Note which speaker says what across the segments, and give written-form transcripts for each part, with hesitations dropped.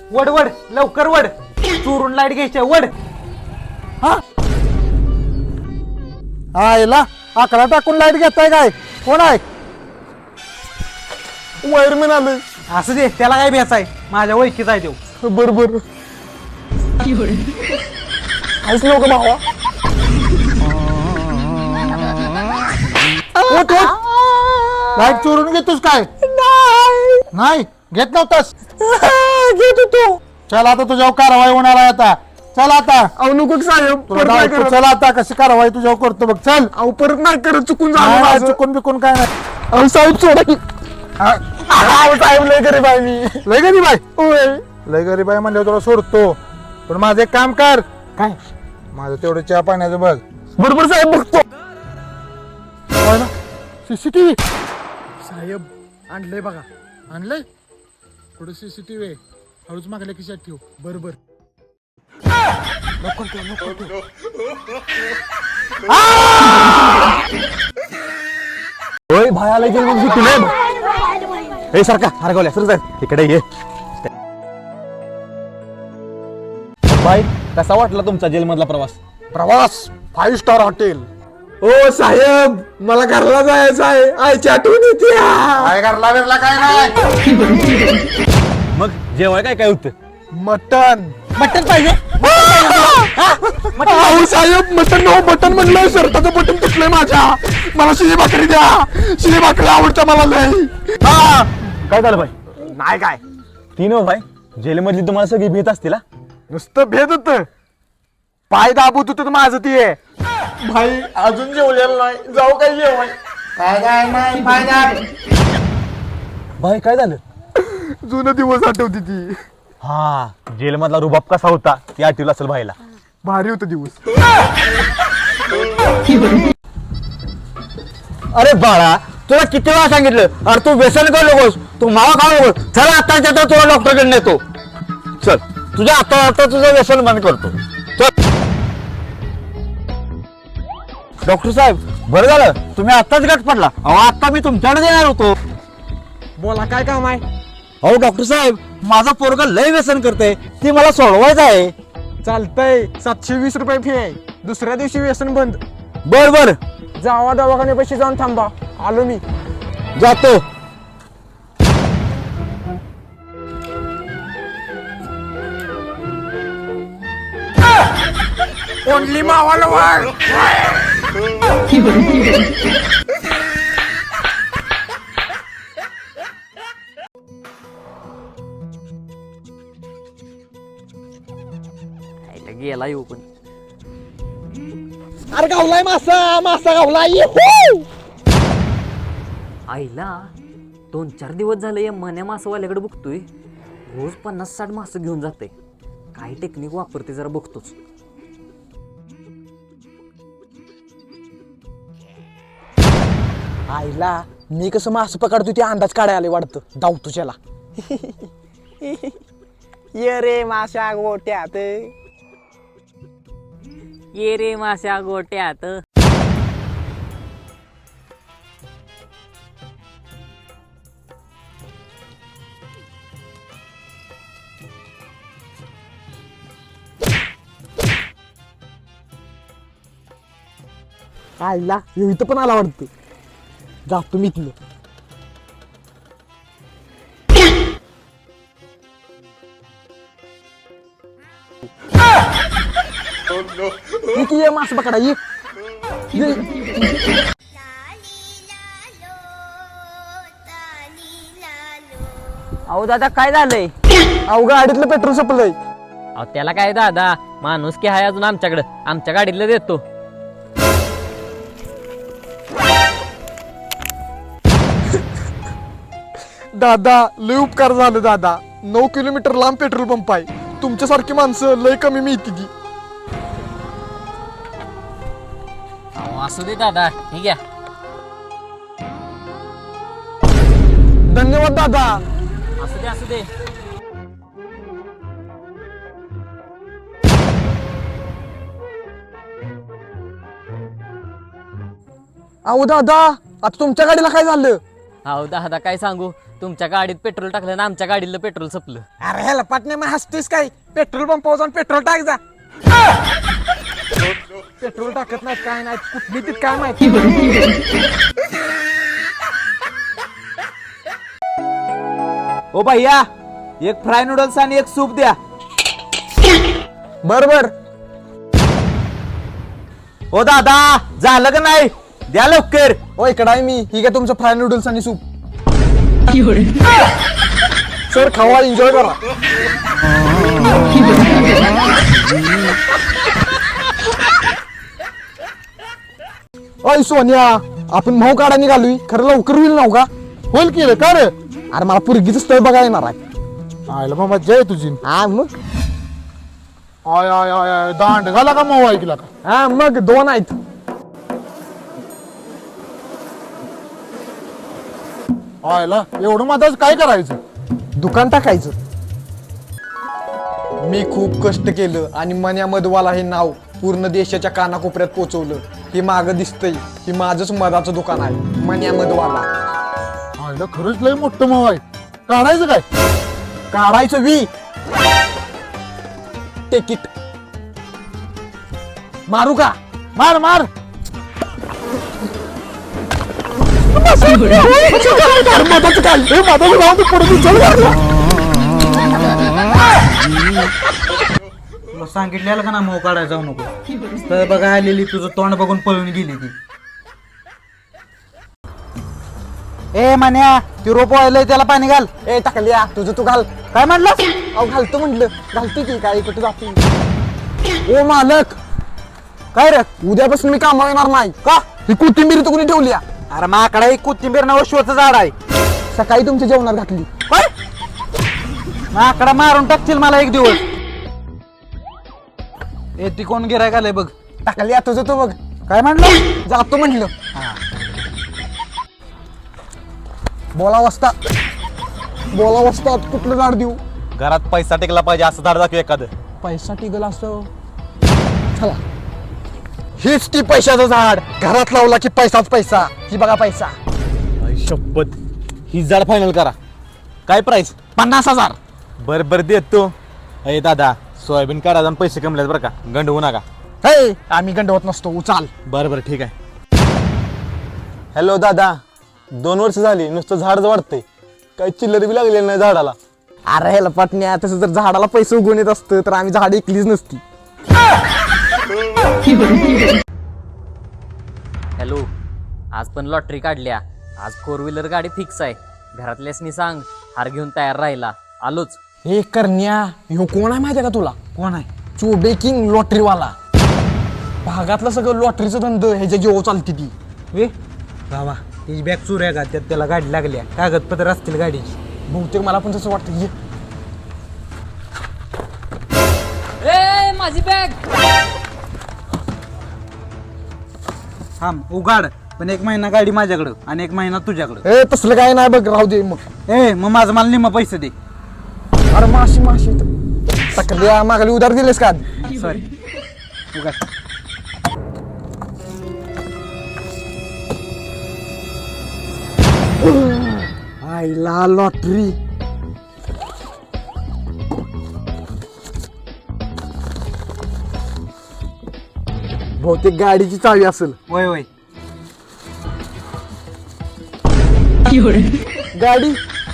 Speaker 1: वड वड लवकर वड, चोरून लाईट घ्यायच्या वड.
Speaker 2: आयला आकडा टाकून लाईट घेताय काय? कोण आहे? वायरमॅन आलोय.
Speaker 1: असं दे, त्याला काय भ्यायचं आहे, माझ्या ओळखीचा आहे तो.
Speaker 2: बरोबर आहेच लोक भावा. लाईट चोरून घेतोस काय? नाही घेत नव्हतास. घेत होतो. चल आता तुझ्यावर कारवाई होणार आहे आता. चल आता.
Speaker 3: अहो नको साहेब,
Speaker 2: चल आता कशी कारवाई तुझ्यावर करतो बघ. चल.
Speaker 3: अहो परत नाही करत, चुकून
Speaker 2: नाही,
Speaker 3: झालं.
Speaker 2: चुकून बिकून काय नाही.
Speaker 3: अहो साहेब सोडा की. अहो साहेब लय गरीब आहे मी.
Speaker 2: लय गरीब आहे.
Speaker 3: होय.
Speaker 2: लय गरीब आहे म्हणल्यावर तुला सोडतो, पण माझं एक काम कर.
Speaker 3: काय?
Speaker 2: माझं तेवढं चहा पाण्याचं बघ.
Speaker 3: बरोबर साहेब बघतो.
Speaker 2: सीसीटीव्ही
Speaker 3: साहेब आणलंय बघा.
Speaker 2: आणलंय. थोडं सीसीटीव्ही हळूच मागल्या खिशात ठेव.
Speaker 3: बरोबर.
Speaker 1: होय भायाला गेली मग सुट्टी नाही. हे सारखा हरगवल्या सर साहेब इकडे ये. भाई कसा वाटला तुमचा जेलमधला प्रवास?
Speaker 2: प्रवास 5 स्टार हॉटेल.
Speaker 3: ओ साहेब मला घरला जायचं आहे, आईची आठवण येते.
Speaker 2: काय करला बिरला काय नाही.
Speaker 1: मग जेवाय काय काय होतं?
Speaker 2: मटन.
Speaker 1: मटन पाहिजे.
Speaker 3: अहो साहेब मटन नो बटन म्हणलंय, शर्टाचं बटन तुटलंय माझ्या. मला शिळी भाकरी द्या. शिळी भाकरी आवडतं मला लय.
Speaker 1: काय झालं भाई?
Speaker 3: नाही काय
Speaker 1: तीन हो भाई, जेलमधली तुम्हाला सगळी भीत असतील हा?
Speaker 3: नुसतं भेद होत, पाय दाबूत होत माझं ते. भाई अजून जेवलेलं नाही, जाऊ काय जेवाय?
Speaker 2: काय नाही
Speaker 1: भाई काय झालं?
Speaker 3: जुनं दिवस आठवती ती.
Speaker 1: हा जेलमधला रुबाब कसा होता ती आठवलं असेल भाईला.
Speaker 3: भारी होत दिवस.
Speaker 1: अरे बाळा तुला किती वेळा सांगितलं, अरे तू व्यसन करू नकोस, तू मावा खाऊ नकोस. चल आताच्या आता तुला डॉक्टरकडे नेतो. चल तुझ्या आता तुझं व्यसन बंद करतो. चल. डॉक्टर साहेब बरं झालं तुम्ही आताच गट पडला. अहो आता मी तुमच्याकडे येणार होतो.
Speaker 3: बोला काय काम आहे?
Speaker 1: अहो डॉक्टर साहेब माझा पोरगा लय व्यसन करते, ती मला सोडवायचं आहे.
Speaker 3: चालतंय, 720 रुपये फी आहे. दुसऱ्या दिवशी व्यसन बंद.
Speaker 1: बर बर
Speaker 3: जावा दवाखान्यापाशी जाऊन थांबा, आलो मी.
Speaker 1: जातो.
Speaker 3: ओनली मावाला वाढ.
Speaker 4: गेला येऊ पण.
Speaker 3: अरे गावलाय मासा, मासा गावलाय.
Speaker 4: आईला 2-4 दिवस झाले या मन्या मासवाल्याकडे बघतोय, रोज 50-60 मासं घेऊन जाते. काय टेक्निक वापरते जरा बघतोच.
Speaker 3: आईला मी कसं मास पकडतो ते अंदाज काढायला आले वाटतं. धाव तुझ्याला. ये रे माशा गोट्यात.
Speaker 4: ये रे माश्या गोट्यात.
Speaker 3: आईला इथं पण आला वाटतं. जातो मी इथलं. ये मास पकडा ये.
Speaker 4: अहो दादा काय झालंय?
Speaker 3: अहो गाडीतलं पेट्रोल संपलंय.
Speaker 4: अहो त्याला काय दादा, माणूस की हाय अजून आमच्याकडे, आमच्या गाडीतलं देतो.
Speaker 3: दादा लय उपकार झालं दादा. 9 किलोमीटर लांब पेट्रोल पंप आहे. तुमच्यासारखी माणसं लय कमी मिळती ती.
Speaker 4: अहो असू दे दादा, ठीक आहे.
Speaker 3: धन्यवाद दादा.
Speaker 4: असू दे असू दे.
Speaker 3: अहो दादा आता तुमच्या गाडीला काय झालं?
Speaker 4: अहो दादा काय सांगू, तुमच्या गाडीत पेट्रोल टाकलं ना आमच्या गाडीला पेट्रोल संपलं.
Speaker 3: अरे ह्याला पाटणे मग हसतोयस काय? पेट्रोल पंपावर जाऊन पेट्रोल टाक जा. पेट्रोल टाकत नाही काय नाही कुठली तीच काय माहिती.
Speaker 5: ओ भैया एक फ्राय नूडल्स आणि एक सूप द्या.
Speaker 3: बर बर.
Speaker 5: ओ दादा झालं का नाही? द्या लवकर.
Speaker 3: ओ इकडं आहे मी. ही काय तुमचं फ्राय नूडल्स आणि सूप. सर खावा एन्जॉय करा.
Speaker 2: अय सोनिया, आपण भाऊ काढा निघालोय, खरं लवकर होईल नव्ह का? होईल की रे, का रे?
Speaker 3: अरे मला पुरगीचं स्थळ बघायला येणार आहे.
Speaker 2: आयला मग मज्जा आहे तुझी.
Speaker 3: हा मग.
Speaker 2: आय आय आय आय, दांड घाला का मऊ ऐकला का?
Speaker 3: हा मग 2 आहेत.
Speaker 2: आयला एवढं माझं काय करायचं?
Speaker 3: दुकान टाकायचं. मी खूप कष्ट केलं आणि मन्या मधवाला हे नाव पूर्ण देशाच्या कानाकोपऱ्यात पोहोचवलं. हे मागं दिसतंय, हे माझंच मधाचं दुकान आहे, मन्या मधवाला.
Speaker 2: आयला खरंच लय मोठं मऊ आहे. काढायचं काय?
Speaker 3: काढायचं वी तिकीट. मारू का?
Speaker 2: मार मार. मधाचं काय? हे मधाचं नाव तर पडून चल मारला.
Speaker 5: तुला सांगितलेलं का ना मोह काढायला जाऊ नको. तर बघा आलेली तुझं तोंड बघून पळून गेली ती. ए मान्या ती रोप वाळलंय त्याला पाणी घाल.
Speaker 3: ए टाकल्या तुझं तू घाल.
Speaker 5: काय म्हणलं?
Speaker 3: अहो घालतो म्हटलं. घालतो की काय कुठे जातो. ओ मालक,
Speaker 5: काय रे?
Speaker 3: उद्यापासून मी कामावर येणार नाही.
Speaker 5: का?
Speaker 3: ही कोथिंबीर तर कोणी ठेवली आहे?
Speaker 5: अरे माकडा एक कोथिंबीर नाव शोचं झाड आहे.
Speaker 3: सकाळी तुमच्या जेवणात घातली.
Speaker 5: काय? माकडा मारून टाकतील मला एक दिवस. ए ती कोण गिरायक आलंय बघ.
Speaker 3: टाकल्या तुझं तू बघ.
Speaker 5: काय म्हणलं?
Speaker 3: जातो म्हटलं. बोला वस्तात. बोला वस्तात. कुठलं झाड देऊ?
Speaker 5: घरात पैसा टेकला पाहिजे असं झाड दाखव एखादं.
Speaker 3: पैसा टिकल असं. चला, हीच ती पैशाचं झाड. घरात लावला की पैसाच पैसा. ही बघा पैसा.
Speaker 5: शपथ ही झाड फायनल करा. काय प्राइस?
Speaker 3: 50,000.
Speaker 5: बर देतो. अरे दादा सोयाबीन काढा जाऊन पैसे कमल्यात बरं का, गंडवू नका.
Speaker 3: हे आम्ही गंडवत नसतो. उचाल.
Speaker 5: बरं ठीक आहे. हॅलो दादा, 2 वर्ष झाली नुसतं झाडच वाढतंय, काही चिल्लर बी लागलेली नाही झाडाला.
Speaker 3: अरे ह्याला पटण्या, तसं जर झाडाला पैसे उगवून येत असतं तर आम्ही झाड ऐकलीच नसती.
Speaker 4: हॅलो, आज पण लॉटरी काढल्या. आज 4 व्हीलर गाडी फिक्स आहे. घरातल्यासनी सांग हार घेऊन तयार राहिला. आलोच.
Speaker 3: हे करण्या, ह्यो कोण आहे माहिती आहे का तुला?
Speaker 5: कोण आहे?
Speaker 3: चोबे किंग लॉटरीवाला. भागातलं सगळं लॉटरीचं धंद ह्याच्या जीव चालती ती.
Speaker 5: वे बाबा त्याची बॅग चोऱ्या का त्यात त्याला गाडी लागल्या, कागदपत्र असतील गाडीची.
Speaker 3: बहुतेक मला पण तसं वाटतं. ये
Speaker 4: ए माझी बॅग.
Speaker 5: थांब उगाड, पण 1 महिना गाडी माझ्याकडं आणि 1 महिना तुझ्याकडं.
Speaker 3: ए तसलं काय नाही बघ, राहू दे मग.
Speaker 5: ए मग माझं मला निम्मा पैसे दे.
Speaker 3: अरे माशी माशी सकाळी मागली उधार दिलेस का?
Speaker 5: सॉरी उगाड.
Speaker 3: आईला लॉटरी. बहुतेक गाडीची चावी असेल.
Speaker 5: वय वय.
Speaker 3: गाडी.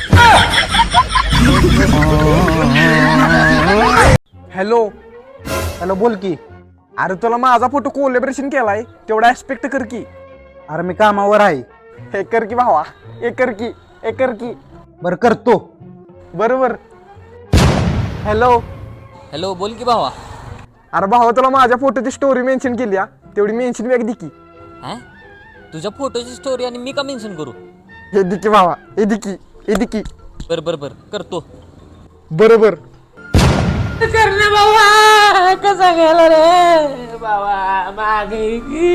Speaker 3: हॅलो
Speaker 5: हॅलो बोल की.
Speaker 3: अरे तुला माझा फोटो कोलॅबरेशन केलाय, तेवढा ऍस्पेक्ट कर की.
Speaker 5: अरे मी कामावर आहे.
Speaker 3: हे कर की भावा. हे कर की. हे कर की.
Speaker 5: बरं करतो.
Speaker 3: बरोबर. हॅलो.
Speaker 4: हॅलो बोल की भावा.
Speaker 3: अरे भावा तुला माझ्या फोटोची स्टोरी मेन्शन केली हा, तेवढी मेन्शन बॅग दि की.
Speaker 4: हा, तुझ्या फोटोची स्टोरी आणि मी का मेन्शन करू?
Speaker 3: हे दि की भावा. हे दि की. हे दि की.
Speaker 4: बर करतो.
Speaker 3: बरोबर.
Speaker 4: करणे बाबा कसा गेला रे बाबा मागे.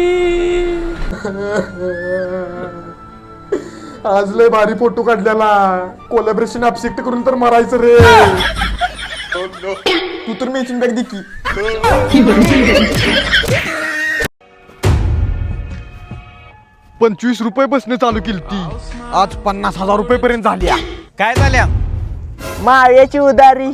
Speaker 2: आज लय भारी फोटो काढलेला. कोलॅबरेशन ऍक्सेप्ट करून तर मरायचं रे.
Speaker 3: तू तर मेन्शन बॅग दि की. 25 रुपये बसणं चालू केली ती आज 50,000 रुपये पर्यंत झाली
Speaker 6: काय झाल्या
Speaker 7: माळ्याची उदारी